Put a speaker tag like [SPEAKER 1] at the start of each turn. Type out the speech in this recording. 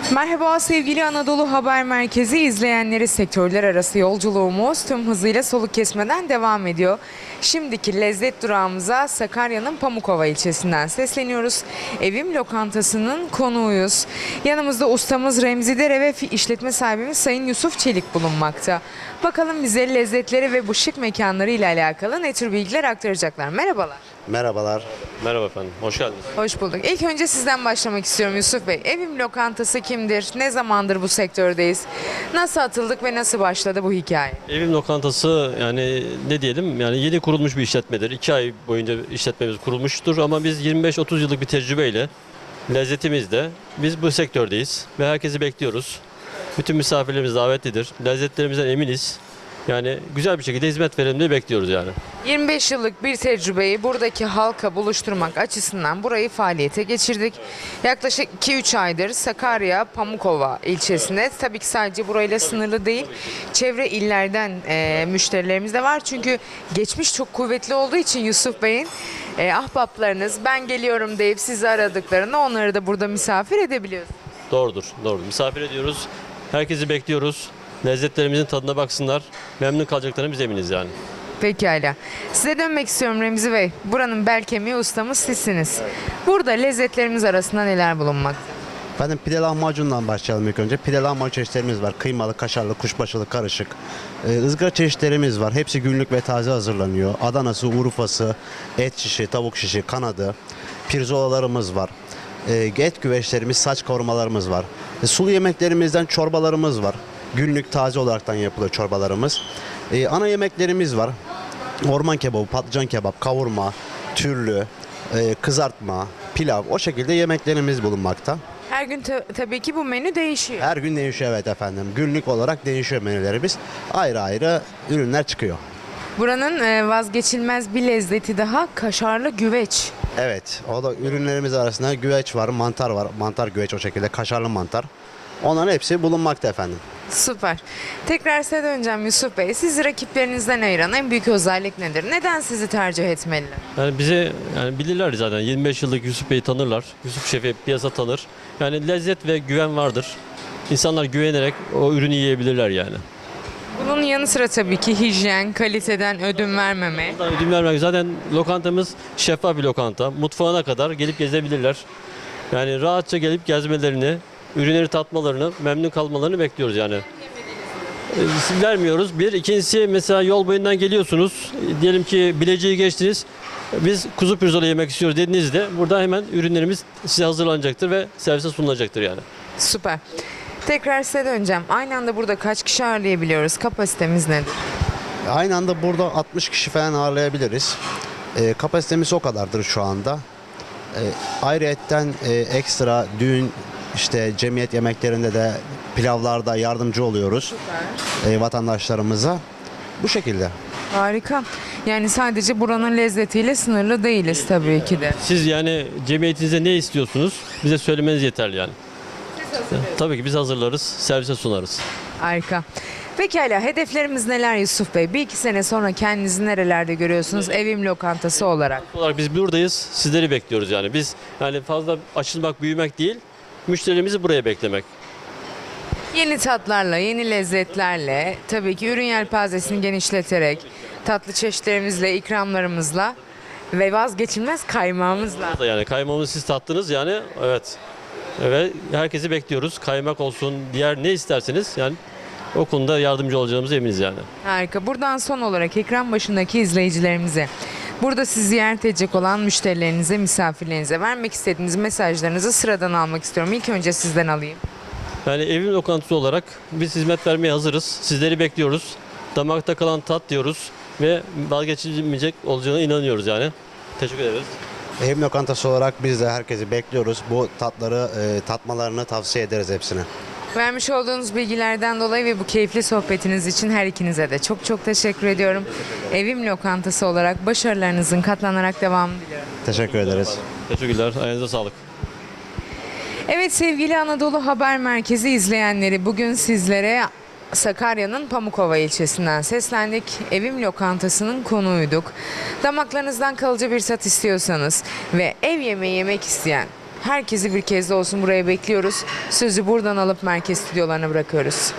[SPEAKER 1] Merhaba sevgili Anadolu Haber Merkezi izleyenleri, sektörler arası yolculuğumuz tüm hızıyla soluk kesmeden devam ediyor. Şimdiki lezzet durağımıza Sakarya'nın Pamukova ilçesinden sesleniyoruz. Evim Lokantası'nın konuğuyuz. Yanımızda ustamız Remzi Dere ve işletme sahibimiz Sayın Yusuf Çelik bulunmakta. Bakalım bize lezzetleri ve bu şık mekanları ile alakalı ne tür bilgiler aktaracaklar. Merhabalar.
[SPEAKER 2] Merhabalar.
[SPEAKER 3] Merhaba efendim, hoş geldiniz.
[SPEAKER 1] Hoş bulduk. İlk önce sizden başlamak istiyorum Yusuf Bey. Evim Lokantası kimdir? Ne zamandır bu sektördeyiz? Nasıl atıldık ve nasıl başladı bu hikaye?
[SPEAKER 3] Evim Lokantası yani ne diyelim yani yeni kurulmuş bir işletmedir. 2 ay boyunca işletmemiz kurulmuştur ama biz 25-30 yıllık bir tecrübeyle lezzetimizde biz bu sektördeyiz ve herkesi bekliyoruz. Bütün misafirlerimiz davetlidir. Lezzetlerimizden eminiz. Yani güzel bir şekilde hizmet verelim diye bekliyoruz yani.
[SPEAKER 1] 25 yıllık bir tecrübeyi buradaki halka buluşturmak açısından burayı faaliyete geçirdik. Yaklaşık 2-3 aydır Sakarya Pamukova ilçesinde, tabii ki sadece burayla sınırlı değil, çevre illerden müşterilerimiz de var. Çünkü geçmiş çok kuvvetli olduğu için Yusuf Bey'in ahbaplarınız ben geliyorum deyip sizi aradıklarında onları da burada misafir edebiliyorsunuz.
[SPEAKER 3] Doğrudur, doğrudur. Misafir ediyoruz. Herkesi bekliyoruz. Lezzetlerimizin tadına baksınlar. Memnun kalacaklarına biz eminiz yani.
[SPEAKER 1] Pekala. Size dönmek istiyorum Remzi Bey. Buranın bel kemiği ustamız sizsiniz. Burada lezzetlerimiz arasında neler bulunmakta?
[SPEAKER 2] Efendim pide lahmacundan başlayalım ilk önce. Pide lahmacun çeşitlerimiz var. Kıymalı, kaşarlı, kuşbaşılı, karışık. Izgara çeşitlerimiz var. Hepsi günlük ve taze hazırlanıyor. Adanası, Urfası, et şişi, tavuk şişi, kanadı. Pirzolalarımız var. Et güveçlerimiz, saç kavurmalarımız var. Sulu yemeklerimizden çorbalarımız var. Günlük taze olaraktan yapılıyor çorbalarımız. Ana yemeklerimiz var. Orman kebabı, patlıcan kebap, kavurma, türlü, kızartma, pilav, o şekilde yemeklerimiz bulunmakta.
[SPEAKER 1] Her gün tabii ki bu menü değişiyor.
[SPEAKER 2] Her gün değişiyor, evet efendim. Günlük olarak değişiyor menülerimiz. Ayrı ayrı ürünler çıkıyor.
[SPEAKER 1] Buranın vazgeçilmez bir lezzeti daha kaşarlı güveç.
[SPEAKER 2] Evet, o da ürünlerimiz arasında güveç var, mantar var. Mantar güveç, o şekilde kaşarlı mantar. Onların hepsi bulunmakta efendim.
[SPEAKER 1] Süper. Tekrar size döneceğim Yusuf Bey. Sizi rakiplerinizden ayıran en büyük özellik nedir? Neden sizi tercih etmeliler?
[SPEAKER 3] Yani bize yani bilirler zaten 25 yıllık Yusuf Bey'i tanırlar. Yusuf Şef'i piyasa tanır. Yani lezzet ve güven vardır. İnsanlar güvenerek o ürünü yiyebilirler yani.
[SPEAKER 1] Bunun yanı sıra tabii ki hijyen, kaliteden ödün vermeme.
[SPEAKER 3] Bundan ödün vermek zaten lokantamız şeffaf bir lokanta. Mutfağına kadar gelip gezebilirler. Yani rahatça gelip gezmelerini, ürünleri tatmalarını, memnun kalmalarını bekliyoruz yani. Vermiyoruz. Bir. İkincisi mesela yol boyundan geliyorsunuz. Diyelim ki Bilecik'i geçtiniz. Biz kuzu pirzola yemek istiyoruz dediğinizde burada hemen ürünlerimiz size hazırlanacaktır ve servise sunulacaktır yani.
[SPEAKER 1] Süper. Tekrar size döneceğim. Aynı anda burada kaç kişi ağırlayabiliyoruz? Kapasitemiz nedir?
[SPEAKER 2] Aynı anda burada 60 kişi falan ağırlayabiliriz. Kapasitemiz o kadardır şu anda. Ayrıyetten ekstra düğün, işte cemiyet yemeklerinde de, pilavlarda yardımcı oluyoruz vatandaşlarımıza. Bu şekilde.
[SPEAKER 1] Harika. Yani sadece buranın lezzetiyle sınırlı değiliz tabii ki de.
[SPEAKER 3] Siz yani cemiyetinizde ne istiyorsunuz? Bize söylemeniz yeterli yani. Tabii ki biz hazırlarız, servise sunarız.
[SPEAKER 1] Harika. Pekala, hedeflerimiz neler Yusuf Bey? Bir iki sene sonra kendinizi nerelerde görüyorsunuz evim lokantası olarak?
[SPEAKER 3] Olarak biz buradayız, sizleri bekliyoruz yani. Biz yani fazla açılmak, büyümek değil, müşterilerimizi buraya beklemek.
[SPEAKER 1] Yeni tatlarla, yeni lezzetlerle, tabii ki ürün yelpazesini genişleterek, tatlı çeşitlerimizle, ikramlarımızla ve vazgeçilmez kaymağımızla.
[SPEAKER 3] Da yani kaymağımızı siz tattınız yani, evet. Ve herkesi bekliyoruz. Kaymak olsun, diğer ne isterseniz yani o konuda yardımcı olacağımıza eminiz yani.
[SPEAKER 1] Harika. Buradan son olarak ekran başındaki izleyicilerimize, burada sizi ziyaret edecek olan müşterilerinize, misafirlerinize vermek istediğiniz mesajlarınızı sıradan almak istiyorum. İlk önce sizden alayım.
[SPEAKER 3] Yani evim lokantası olarak biz hizmet vermeye hazırız. Sizleri bekliyoruz. Damakta kalan tat diyoruz ve vazgeçilmeyecek olacağına inanıyoruz yani. Teşekkür ederiz.
[SPEAKER 2] Evim lokantası olarak biz de herkesi bekliyoruz. Bu tatları tatmalarını tavsiye ederiz hepsine.
[SPEAKER 1] Vermiş olduğunuz bilgilerden dolayı ve bu keyifli sohbetiniz için her ikinize de çok çok teşekkür ediyorum. Evim lokantası olarak başarılarınızın katlanarak devamını diliyorum.
[SPEAKER 2] Teşekkür ederiz.
[SPEAKER 3] Teşekkürler. Ayağınıza sağlık.
[SPEAKER 1] Evet sevgili Anadolu Haber Merkezi izleyenleri, bugün sizlere Sakarya'nın Pamukova ilçesinden seslendik. Evim Lokantası'nın konuğuyduk. Damaklarınızdan kalıcı bir tat istiyorsanız ve ev yemeği yemek isteyen Herkesi bir kez de olsun buraya bekliyoruz. Sözü buradan alıp merkez stüdyolarına bırakıyoruz.